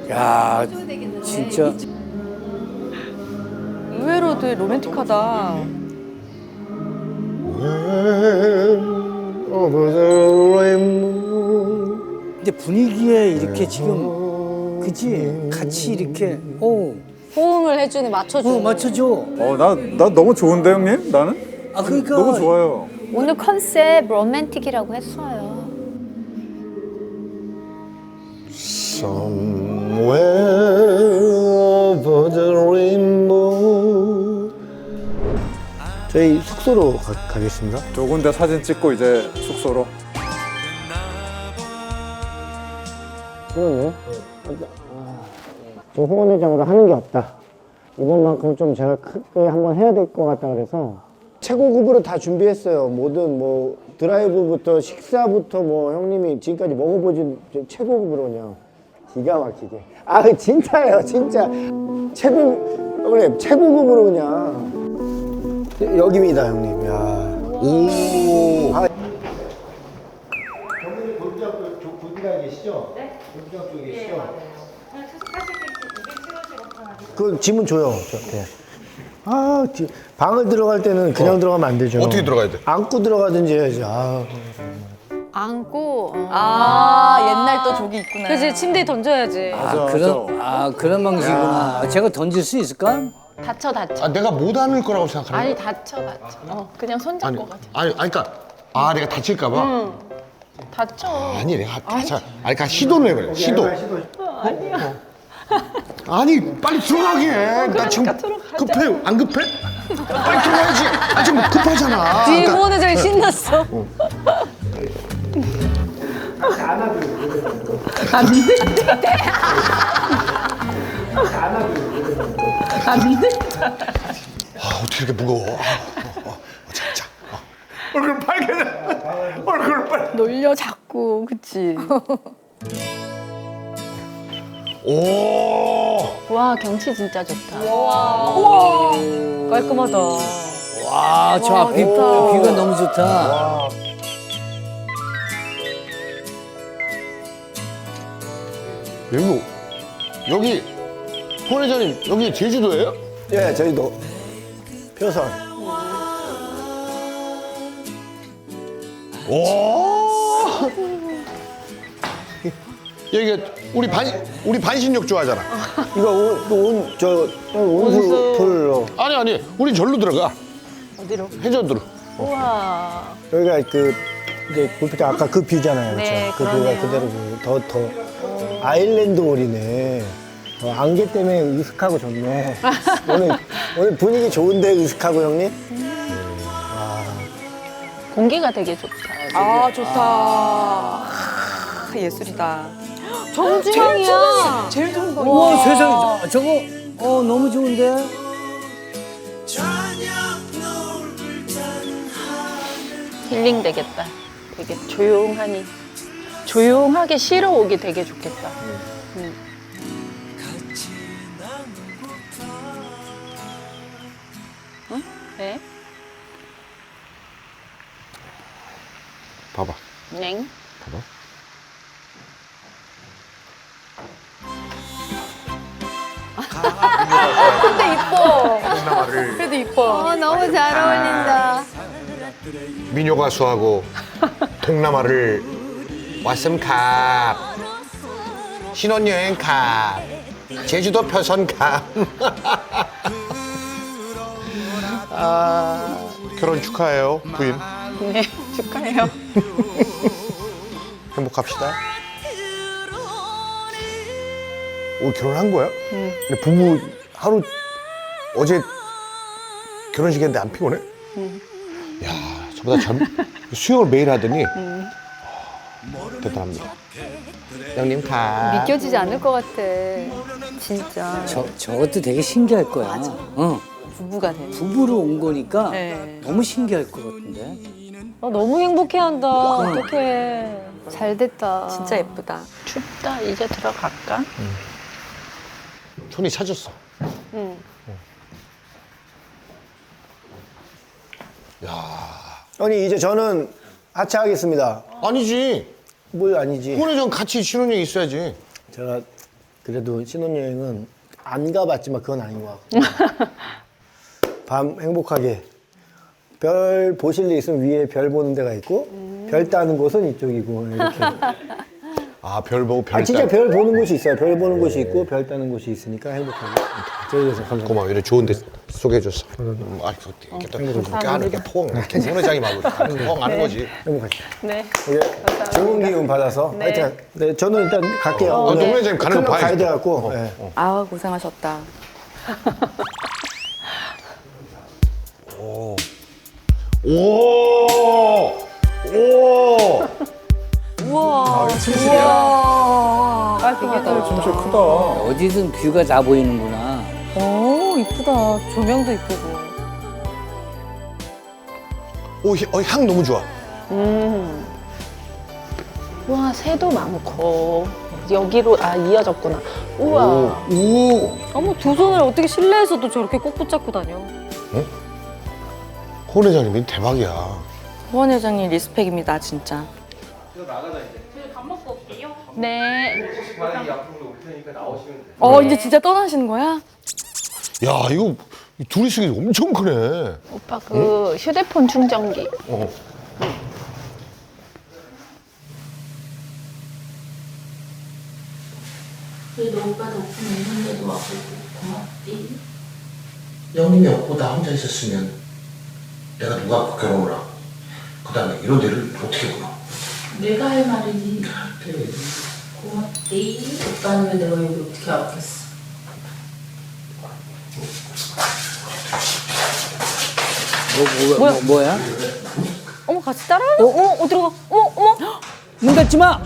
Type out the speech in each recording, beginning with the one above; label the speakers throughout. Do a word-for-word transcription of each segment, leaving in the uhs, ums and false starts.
Speaker 1: 야, 진짜.
Speaker 2: 의외로 되게 로맨틱하다.
Speaker 1: 근데 분위기에 이렇게 지금, 그치? 같이 이렇게, 오,
Speaker 2: 호응을 해주네, 맞춰주네.
Speaker 1: 어, 맞춰줘.
Speaker 3: 어, 나, 나 너무 좋은데, 형님? 나는?
Speaker 1: 아, 그러니까.
Speaker 3: 너무 좋아요.
Speaker 4: 오늘 컨셉 로맨틱이라고 했어요.
Speaker 5: Somewhere over the rainbow. 저희 숙소로 가, 가겠습니다.
Speaker 3: 좋은 데 사진 찍고 이제 숙소로.
Speaker 5: 그러네. 지금 홍원 회장으로 하는 게 없다. 이번만큼 좀 제가 크게 한번 해야 될 것 같다 그래서 최고급으로 다 준비했어요. 모든 뭐 드라이브부터 식사부터 뭐 형님이 지금까지 먹어보진 최고급으로 그냥 기가 막히게. 아 진짜예요, 진짜 최고 형님 최고급으로 그냥 여기입니다, 형님. 야. 오. 아. 경민이 골프장 쪽 골프장에 계시죠? 네. 골프장 쪽에 계시죠? 네, 맞아요. 그 짐은 줘요. 네. 아, 뒤, 방을 들어갈 때는 그냥 어. 들어가면 안 되죠.
Speaker 6: 어떻게 들어가야 돼?
Speaker 5: 안고 들어가든지 해야지. 아.
Speaker 2: 안고. 어.
Speaker 4: 아, 옛날 또 저기 있구나.
Speaker 2: 그치, 침대에 던져야지.
Speaker 1: 아, 그런, 아, 그런 방식이구나. 아, 제가 던질 수 있을까?
Speaker 4: 다쳐, 다쳐.
Speaker 6: 아, 내가 못 안을 거라고 생각하는
Speaker 4: 아니,
Speaker 6: 거야?
Speaker 4: 다쳐, 다쳐. 어, 그냥 손잡고
Speaker 6: 아니,
Speaker 4: 가자.
Speaker 6: 아니, 아니, 그러니까 아, 내가 다칠까 봐.
Speaker 4: 응. 다쳐.
Speaker 6: 아니, 내가 다쳐. 아니, 그러니까 시도를 해봐요. 시도.
Speaker 4: 아니야.
Speaker 6: 아니, 빨리 들어가게 해. 나 지금 급해. 안 급해? 빨리 들어가야지. 아, 지금 급하잖아.
Speaker 2: 뒤에
Speaker 6: 그러니까
Speaker 2: 호원 회장이 신났어.
Speaker 4: 안 돼. 안 돼.
Speaker 6: 아, 어떻게 이렇게 무거워. 아, 어, 어, 어, 자, 자. 어. 얼굴 빨개져. 얼굴 빨개.
Speaker 4: 놀려, 자꾸. 그치?
Speaker 6: 오.
Speaker 4: 와, 경치 진짜 좋다.
Speaker 2: 깔끔하다.
Speaker 1: 와, 저 앞이, 뷰가 너무 좋다.
Speaker 6: 여기, 여기, 홍 회장님, 여기 제주도예요?
Speaker 5: 예, 저희도 표선.
Speaker 6: 오. 여기가 우리 반 우리 반신욕 좋아하잖아.
Speaker 5: 이거 온, 저, 온수풀로.
Speaker 6: 아니 아니, 우리 절로 들어가.
Speaker 4: 어디로?
Speaker 6: 해저드로.
Speaker 4: 우와.
Speaker 5: 여기가 그, 이제 골프장 아까 그 뷰잖아요.
Speaker 4: 네,
Speaker 5: 그렇죠? 그 뷰가 그대로 더, 더. 아일랜드 홀이네. 어, 안개 때문에 으슥하고 좋네. 오늘, 오늘 분위기 좋은데, 으슥하고 형님?
Speaker 4: 공기가 되게 좋다.
Speaker 2: 아, 좋다. 아, 예술이다. 정지방이야. 제일 좋은 방이야.
Speaker 1: 우와, 세상에, 저거, 어, 너무 좋은데?
Speaker 4: 힐링 되겠다. 되게 조용하니. 조용하게 쉬러 오기 되게 좋겠다. 음. 응? 네?
Speaker 6: 봐봐.
Speaker 4: 넹?
Speaker 6: 봐봐.
Speaker 2: 근데 이뻐. 그래도 이뻐.
Speaker 4: 어, 너무 잘 어울린다.
Speaker 6: 민요 가수하고 동남아를 왔음 캅. 신혼여행 캅. 제주도 표선 캅. 아, 결혼 축하해요, 부인.
Speaker 4: 네, 축하해요.
Speaker 6: 행복합시다. 오, 결혼한 거야? 응. 근데 부부 하루 어제 결혼식인데 안 피곤해? 응. 야, 저보다 젊 수영을 매일 하더니 응. 대단합니다. 형님 가.
Speaker 2: 믿겨지지 않을 것 같아. 진짜.
Speaker 1: 저, 저것도 되게 신기할 거야. 맞아. 어.
Speaker 2: 부부가 돼.
Speaker 1: 부부로 온 거니까
Speaker 2: 네.
Speaker 1: 너무 신기할 것 같은데.
Speaker 2: 아, 너무 행복해한다. 어떡해. 잘 됐다. 진짜 예쁘다.
Speaker 4: 춥다. 이제 들어갈까?
Speaker 6: 손이 차졌어.
Speaker 2: 응.
Speaker 6: 야,
Speaker 5: 아니, 이제 저는 하차하겠습니다.
Speaker 6: 아니지.
Speaker 5: 뭘 아니지.
Speaker 6: 오늘 전 같이 신혼여행 있어야지.
Speaker 5: 제가 그래도 신혼여행은 안 가봤지만 그건 아닌 것 같고 밤 행복하게 별 보실 일 있으면 위에 별 보는 데가 있고 별 따는 곳은 이쪽이고 이렇게.
Speaker 6: 아, 별 보고 별
Speaker 5: 아, 진짜
Speaker 6: 따-
Speaker 5: 별 보는 곳이 있어요. 별 보는 곳이 있고 별 따는 곳이 있으니까 행복하게. 저희에서 감사합니다.
Speaker 6: 고마워. 이래 좋은 데 소개해줬어. 음, 아, 이렇게 또 이렇게 하는 게 포옹. 이렇게 손회장이 막 포옹 하는 거지.
Speaker 5: 행복하게.
Speaker 4: 네.
Speaker 5: 이게 좋은 기운 받아서 화이팅. 네, 저는 일단 갈게요.
Speaker 6: 어,
Speaker 5: 오늘
Speaker 6: 동 회장님 가는 거
Speaker 5: 클럽
Speaker 6: 봐야지.
Speaker 5: 가야 돼갖고. 네.
Speaker 7: 아 고생하셨다.
Speaker 6: 오! 오!
Speaker 2: 우와.
Speaker 3: 우와.
Speaker 2: 깔끔하다.
Speaker 3: 진짜 크다.
Speaker 1: 어디든 뷰가 다 보이는구나.
Speaker 2: 오, 이쁘다. 조명도 이쁘고.
Speaker 6: 오, 향- 어, 향 너무 좋아.
Speaker 4: 음. 우와, 새도 많고. 여기로, 아, 이어졌구나. 우와.
Speaker 6: 오!
Speaker 2: 어머, 두 손을 어떻게 실내에서도 저렇게 꼭 붙잡고 다녀.
Speaker 6: 호 회장님이 대박이야.
Speaker 7: 호원 회장님 리스펙입니다 진짜.
Speaker 4: 네.
Speaker 7: 어 이제 진짜 떠나시는 거야?
Speaker 6: 야, 이거 둘이 쓰기 엄청 크네.
Speaker 4: 오빠 그 휴대폰 충전기.
Speaker 6: 어.
Speaker 8: 그래도 오빠 덕분에 이런 데도 와보고 고맙디. 영림이 없고 나 혼자 있었으면 내가 누가 갖고 결혼을 하고 그 다음에 이런 데를 어떻게 보나. 내가 할 말이니. 그래. 고맙디. 오빠 아니면 내가 여기 어떻게 왔겠어.
Speaker 1: 뭐, 뭐, 뭐, 뭐야?
Speaker 2: 어머, 같이 따라하는? 어, 어머, 어디로 가? 어머, 어머.
Speaker 1: 문 닫지 마!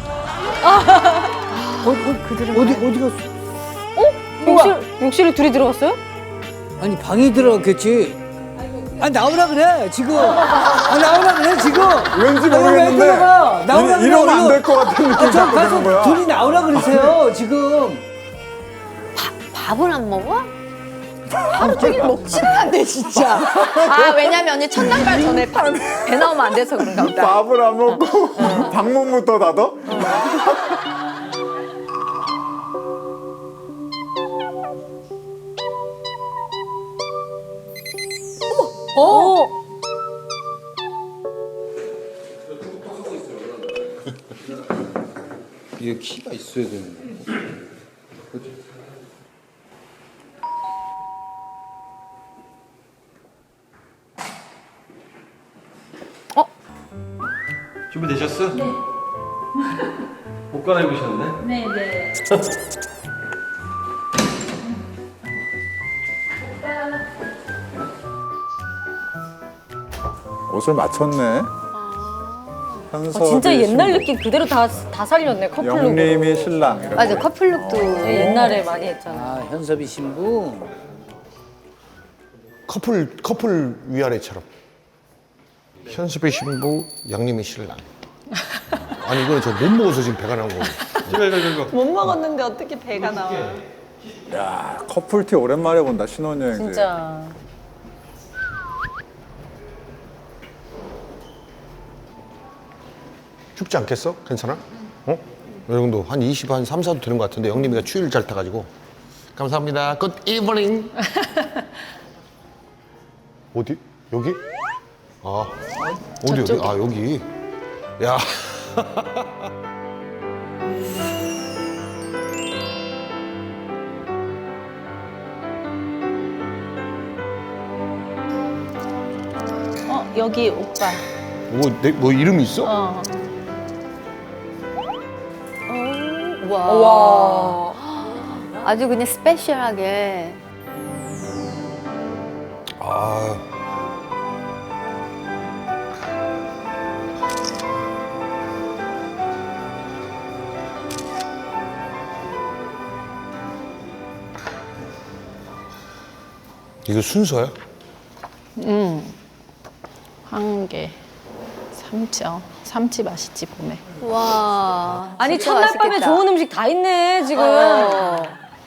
Speaker 5: 어디, 어디 갔어?
Speaker 2: 욕실, 욕실에 둘이 들어갔어요?
Speaker 1: 아니, 방에 들어갔겠지. 아, 나오라 그래, 지금. 아, 나오라 그래, 지금.
Speaker 3: 왠지
Speaker 1: 아니, 왜
Speaker 3: 모르겠는데
Speaker 1: 들어가? 나오라
Speaker 3: 이- 이러면 안 될 것 같은 느낌이
Speaker 1: 아, 저
Speaker 3: 자꾸 드는
Speaker 1: 가서
Speaker 3: 거야.
Speaker 1: 둘이 나오라 그러세요, 지금.
Speaker 2: 밥을 안 먹어?
Speaker 7: 하루 종일 먹지는 않네 진짜. 아 왜냐면 언니 첫날 갈 전에 밥- 배 나오면 안 돼서 그런가 보다.
Speaker 3: 밥을 안 먹고 방문부터 닫아?
Speaker 2: 어.
Speaker 9: 이게 키가 있어야 되는 거.
Speaker 10: 준비되셨어? 네. 옷 갈아입으셨네?
Speaker 8: 네, 네.
Speaker 3: 옷을 맞췄네.
Speaker 2: 아,
Speaker 3: 현섭이
Speaker 2: 진짜 옛날
Speaker 3: 신부,
Speaker 2: 느낌 그대로 다, 다 살렸네, 커플룩으로.
Speaker 3: 영림이 신랑. 이렇게.
Speaker 2: 맞아, 커플룩도 옛날에 많이 했잖아.
Speaker 1: 아, 현섭이 신부.
Speaker 6: 커플, 커플 위아래처럼. 현수배 신부, 양림이 신랑. 아니, 이거는 저 못 먹어서 지금 배가 나온 거고.
Speaker 10: 이거 이거 이거.
Speaker 4: 못 먹었는데 어떻게 배가 나와.
Speaker 3: 야, 커플티 오랜만에 본다, 신혼여행.
Speaker 2: 진짜.
Speaker 6: 춥지 않겠어? 괜찮아? 어? 이 정도 한 이십, 한 삼, 사도 되는 것 같은데 영림이가 추위를 잘 타가지고. 감사합니다. Good evening. 어디? 여기? 아, 어디 어디? 아, 여기. 야.
Speaker 4: 어, 여기 오빠.
Speaker 6: 뭐, 내, 뭐 이름이 있어?
Speaker 4: 어.
Speaker 2: 와.
Speaker 7: 와. 아주 그냥 스페셜하게.
Speaker 6: 아. 이거 순서야?
Speaker 4: 응. 한 개. 삼치, 어. 삼치 맛있지, 봄에.
Speaker 7: 와.
Speaker 2: 아니,
Speaker 7: 진짜
Speaker 2: 첫날 밤에
Speaker 7: 맛있겠다.
Speaker 2: 좋은 음식 다 있네, 지금.
Speaker 7: 어.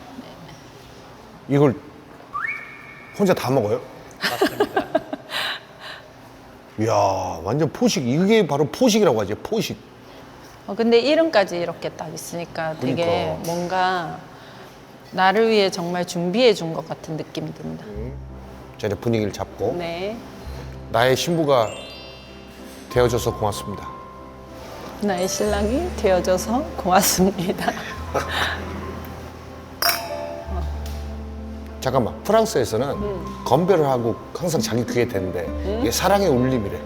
Speaker 6: 이걸 혼자 다 먹어요? 맞습니다. 이야, 완전 포식. 이게 바로 포식이라고 하지, 포식.
Speaker 4: 어, 근데 이름까지 이렇게 딱 있으니까 되게
Speaker 6: 그러니까.
Speaker 4: 뭔가 나를 위해 정말 준비해 준 것 같은 느낌이 든다.
Speaker 6: 자, 이제 분위기를 잡고
Speaker 4: 네.
Speaker 6: 나의 신부가 되어줘서 고맙습니다.
Speaker 4: 나의 신랑이 되어줘서 고맙습니다.
Speaker 6: 잠깐만, 프랑스에서는 건배를 하고 항상 자기 귀에 대는데 이게 사랑의 울림이래.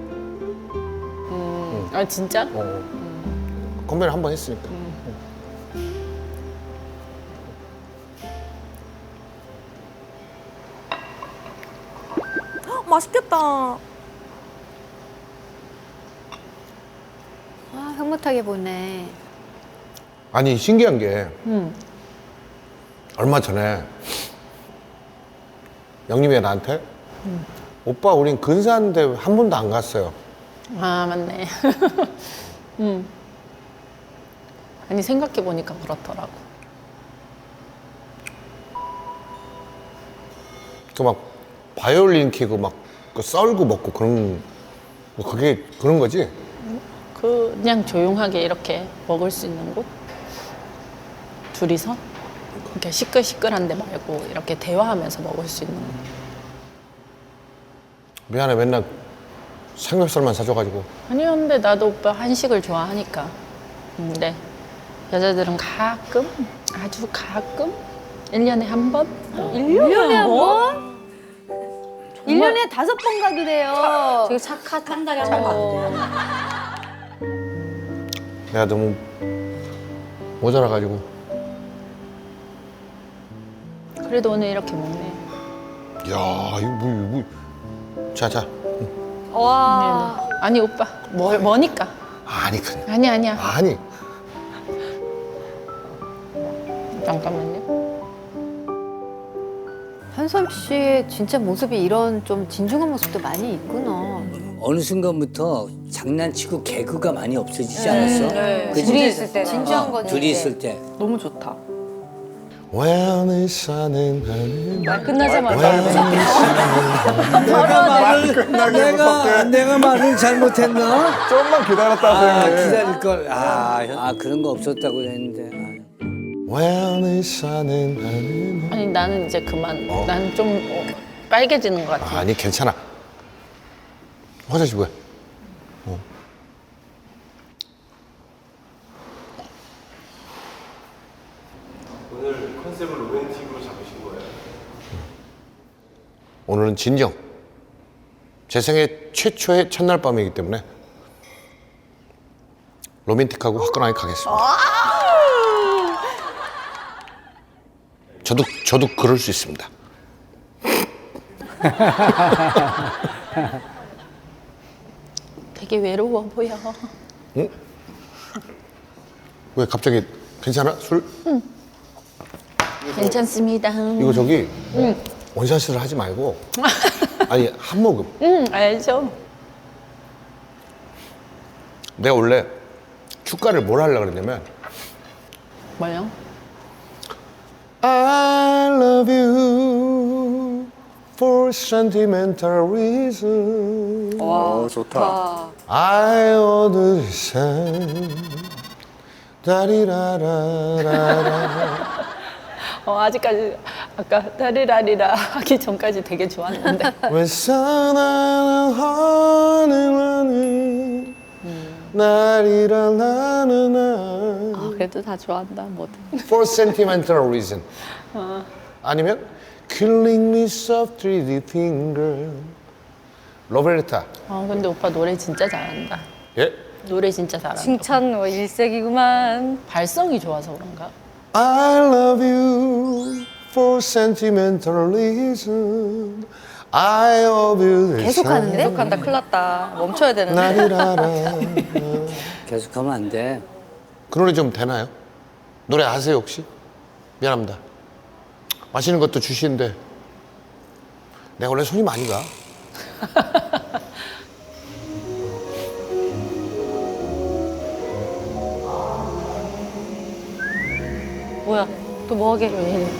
Speaker 4: 아 진짜?
Speaker 6: 어. 건배를 한 번 했으니까.
Speaker 7: 맛있겠다.
Speaker 2: 아, 흐뭇하게 보네.
Speaker 6: 아니 신기한 게
Speaker 4: 음.
Speaker 6: 얼마 전에 영림이가 나한테 오빠 우린 근사한데 한 번도 안 갔어요.
Speaker 4: 아 맞네. 음. 아니 생각해 보니까 그렇더라고.
Speaker 6: 그 막 바이올린 키고 막 그 썰고 먹고 그런 뭐 그게 그런 거지?
Speaker 4: 그냥 조용하게 이렇게 먹을 수 있는 곳? 둘이서? 이렇게 시끌시끌한데 말고 이렇게 대화하면서 먹을 수 있는 곳.
Speaker 6: 미안해 맨날 삼겹살만 사줘가지고.
Speaker 4: 아니 근데 나도 오빠 한식을 좋아하니까. 근데 여자들은 가끔, 아주 가끔 일 년에 한 번?
Speaker 2: 일 년에 한 번? 일 년에 다섯 번 가기래요.
Speaker 7: 되게 착하다. 한 달에 한 번.
Speaker 6: 내가 너무 모자라가지고.
Speaker 4: 그래도 오늘 이렇게 먹네.
Speaker 6: 야 이거 뭐 이거 뭐. 자자.
Speaker 2: 와.
Speaker 4: 아니 오빠, 뭘, 뭐니까?
Speaker 6: 아니 그냥.
Speaker 4: 아니 아니야.
Speaker 6: 아니.
Speaker 4: 잠깐만요.
Speaker 2: 현섭 씨의 진짜 모습이 이런 좀 진중한 모습도 많이 있구나.
Speaker 1: 어느 순간부터 장난치고 개그가 많이 없어지지 않았어? 그치?
Speaker 2: 둘이 있을 때. 진지한
Speaker 1: 어,
Speaker 2: 거지.
Speaker 1: 둘이 있을 때.
Speaker 7: 너무 좋다.
Speaker 6: 왜 사는 하늘
Speaker 4: 말 끝나자마자
Speaker 1: 내가 말을 내가 내가 말을 잘못했나?
Speaker 3: 조금만 기다렸다
Speaker 1: 아,
Speaker 3: 하세요.
Speaker 1: 기다릴 걸. 아, 아 그런 거 없었다고 했는데. 아.
Speaker 6: 왜 사는 하늘.
Speaker 4: 아니 나는 이제 그만. 난 좀 어, 빨개지는 것 같아.
Speaker 6: 아니 괜찮아. 화장실 뭐야? 어.
Speaker 10: 오늘 컨셉을 로맨틱으로 잡으신 거예요?
Speaker 6: 오늘은 진정. 제 생애 최초의 첫날 밤이기 때문에 로맨틱하고 화끈하게 가겠습니다. 저도 저도 그럴 수 있습니다.
Speaker 4: 되게 외로워 보여.
Speaker 6: 응? 왜 갑자기 괜찮아? 술?
Speaker 4: 괜찮습니다.
Speaker 6: 이거 저기 원샷을 하지 말고 아니 한 모금.
Speaker 4: 응 알죠.
Speaker 6: 내가 원래 축가를 뭘 하려고 그랬냐면
Speaker 4: 뭐요?
Speaker 6: I love you for sentimental reason.
Speaker 3: 어, 좋다.
Speaker 6: I understand. 다리라라라라.
Speaker 4: 어 아직까지 아까 다리라리라 하기 전까지 되게 좋았는데.
Speaker 6: 왜 사나는 하늘하늘 나리라라라라.
Speaker 7: 아, 그래도 다 좋아한다, 뭐든.
Speaker 6: For sentimental reason. 아니면 Killing me softly with finger. 로베르타.
Speaker 4: 어 근데 오빠 노래 진짜 잘한다.
Speaker 6: 예?
Speaker 4: 노래 진짜 잘한다.
Speaker 2: 칭찬 뭐 일색이구만.
Speaker 4: 발성이 좋아서 그런가?
Speaker 6: I love you for sentimental reason. I love you.
Speaker 2: 계속 하는데?
Speaker 7: 계속 한다, 큰일 났다. 멈춰야 되는데.
Speaker 6: 나리라라.
Speaker 1: 계속하면 안 돼.
Speaker 6: 그 노래 좀 되나요? 노래 아세요 혹시? 미안합니다. 맛있는 것도 주시는데 내가 원래 손이 많이 가.
Speaker 7: 뭐야, 또 뭐 하게?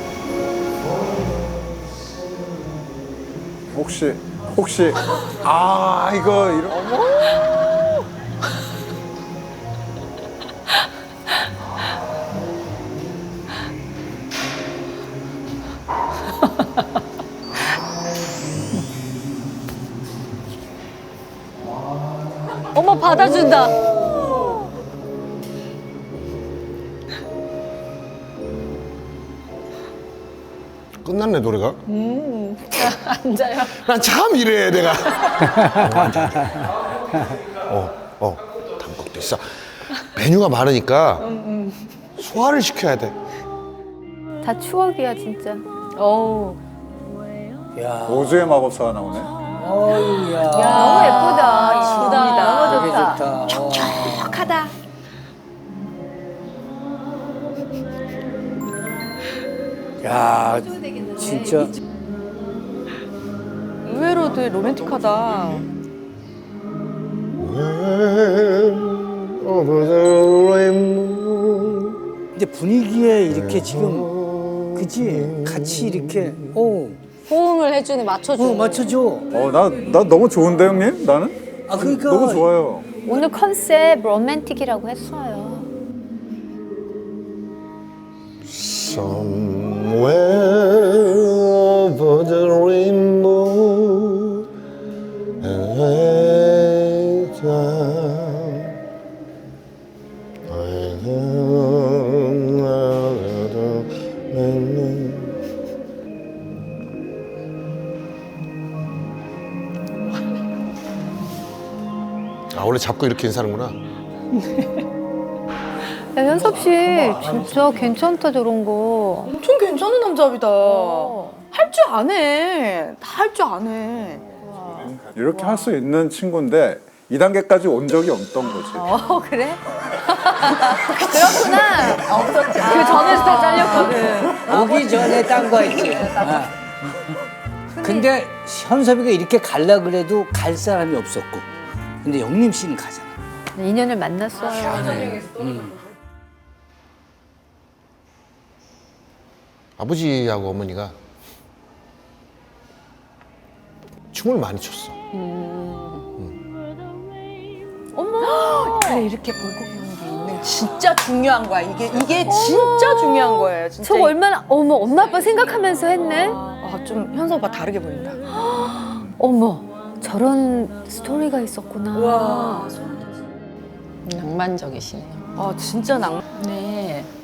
Speaker 3: 혹시 혹시 아 이거 이런.
Speaker 2: 어머 받아준다.
Speaker 6: 끝났네 노래가.
Speaker 4: 앉아요.
Speaker 6: 난 참 이래 내가. 어, 어, 단국도 있어. 메뉴가 많으니까 소화를 시켜야 돼.
Speaker 2: 다 추억이야 진짜. 어우.
Speaker 1: 야,
Speaker 3: 오즈의 마법사가 나오네.
Speaker 1: 어유, 야.
Speaker 2: 너무 예쁘다. 이쁘다. 너무
Speaker 1: 되게
Speaker 2: 좋다.
Speaker 1: 좋다. 어.
Speaker 7: 촉촉하다.
Speaker 1: 야, 진짜.
Speaker 7: 의외로 되게 로맨틱하다.
Speaker 1: 근데 분위기에 이렇게 지금, 그치? 같이 이렇게, 어,
Speaker 2: 호응을 해주는 맞춰줘.
Speaker 1: 어, 맞춰줘.
Speaker 3: 어, 나, 나 너무 좋은데, 형님? 나는?
Speaker 1: 아, 그러니까.
Speaker 3: 너무 좋아요.
Speaker 2: 오늘 컨셉 로맨틱이라고 했어요.
Speaker 6: Somewhere over the rainbow, 아 원래 잡고 이렇게 인사하는구나.
Speaker 2: 야, 현섭 씨 진짜 괜찮다 저런 거.
Speaker 7: 엄청 괜찮은 남자입니다. 할 줄 아네. 다 할 줄 아네.
Speaker 3: 이렇게 할 수 있는 친구인데 이 단계까지 온 적이 없던 거지.
Speaker 2: 어 그래? 그렇구나. 없었지. 그 전에서 다 잘렸거든.
Speaker 1: 오기 전에 딴 거 했지. 아. 근데 현섭이가 이렇게 갈라 그래도 갈 사람이 없었고. 근데 영림 씨는 가잖아.
Speaker 2: 인연을 만났어요.
Speaker 1: 음.
Speaker 6: 아버지하고 어머니가 춤을 많이 췄어.
Speaker 7: 어머. 그래 이렇게 보고 배우는 게 있네. 진짜 중요한 거야. 이게 이게 진짜 중요한 거예요. 진짜.
Speaker 2: 저거 얼마나 어머 엄마 아빠 생각하면서 했네.
Speaker 7: 아좀 현서 오빠 다르게 보인다.
Speaker 2: 어머 저런 스토리가 있었구나.
Speaker 7: 와.
Speaker 4: 낭만적이시네요.
Speaker 7: 아 진짜 낭.
Speaker 4: 네.